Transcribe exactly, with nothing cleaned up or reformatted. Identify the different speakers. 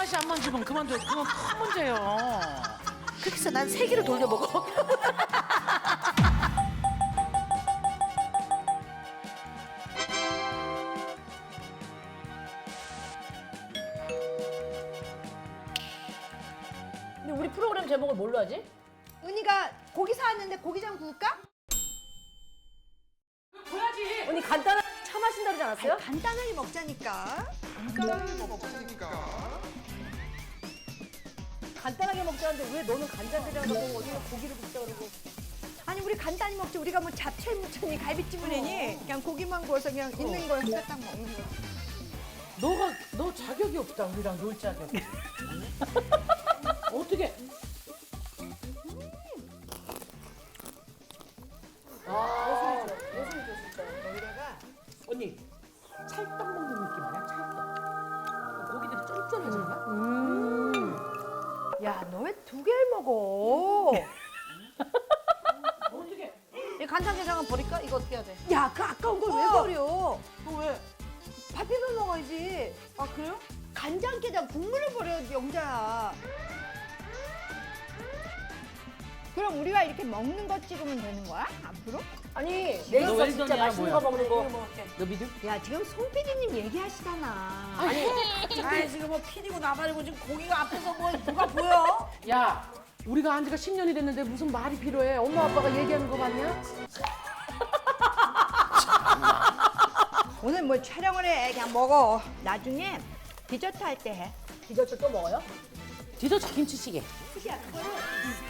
Speaker 1: 하나씩 안 만지면 그만둬. 그건 큰 문제예요.
Speaker 2: 그렇게 해서 난 세 개를 돌려 먹어.
Speaker 3: 근데 우리 프로그램 제목을 뭘로 하지?
Speaker 4: 은희가 고기 사왔는데 고기장 구울까?
Speaker 1: 줘야지.
Speaker 3: 언니 간단한 차 마신다 그러지 않았어요?
Speaker 4: 간단하게 먹자니까.
Speaker 3: 간단하게 먹자는데 왜 너는 간장게장 먹고 어디가 고기를 굽자 그러고.
Speaker 4: 아니 우리 간단히 먹지. 우리가 뭐 잡채 무쳤니 갈비찜을 해니 그냥 고기만 구워서 그냥 있는 걸 후다닥 먹는 거.
Speaker 1: 너가 너 자격이 없다. 우리랑 놀 자격. 어떻게? 아,
Speaker 3: 예술이죠 진짜.
Speaker 4: 여기다가
Speaker 1: 언니 찰떡 먹는 느낌 아니야? 찰떡. 고기들이 쫀쫀해진다.
Speaker 4: 야 너 왜 두 개를 먹어?
Speaker 1: 어떻게?
Speaker 2: 이 간장게장은 버릴까? 이거 어떻게 해야 돼?
Speaker 4: 야 그 아까운 걸 왜
Speaker 2: 어.
Speaker 4: 버려?
Speaker 2: 너 왜?
Speaker 4: 밥 비벼 먹어야지.
Speaker 2: 아 그래요?
Speaker 4: 간장게장 국물을 버려야지 영자야. 그럼 우리가 이렇게 먹는 거 찍으면 되는 거야? 앞으로?
Speaker 3: 아니
Speaker 1: 너
Speaker 3: 내일서
Speaker 1: 웰던이야,
Speaker 3: 진짜 맛있는
Speaker 1: 뭐야?
Speaker 3: 거 먹는 거.
Speaker 1: 너 믿음?
Speaker 4: 야 지금 송 피디님 얘기하시잖아.
Speaker 3: 아니
Speaker 2: 아이 지금 뭐 피디고 나발이고 지금 고기가 앞에서 뭐 누가 보여?
Speaker 1: 야, 우리가 안 지가 십 년이 됐는데 무슨 말이 필요해? 엄마 아빠가 얘기하는 거 봤냐?
Speaker 4: 오늘 뭐 촬영을 해 그냥 먹어. 나중에 디저트 할 때 해.
Speaker 3: 디저트 또 먹어요?
Speaker 1: 디저트 김치찌개.
Speaker 4: 야 그거를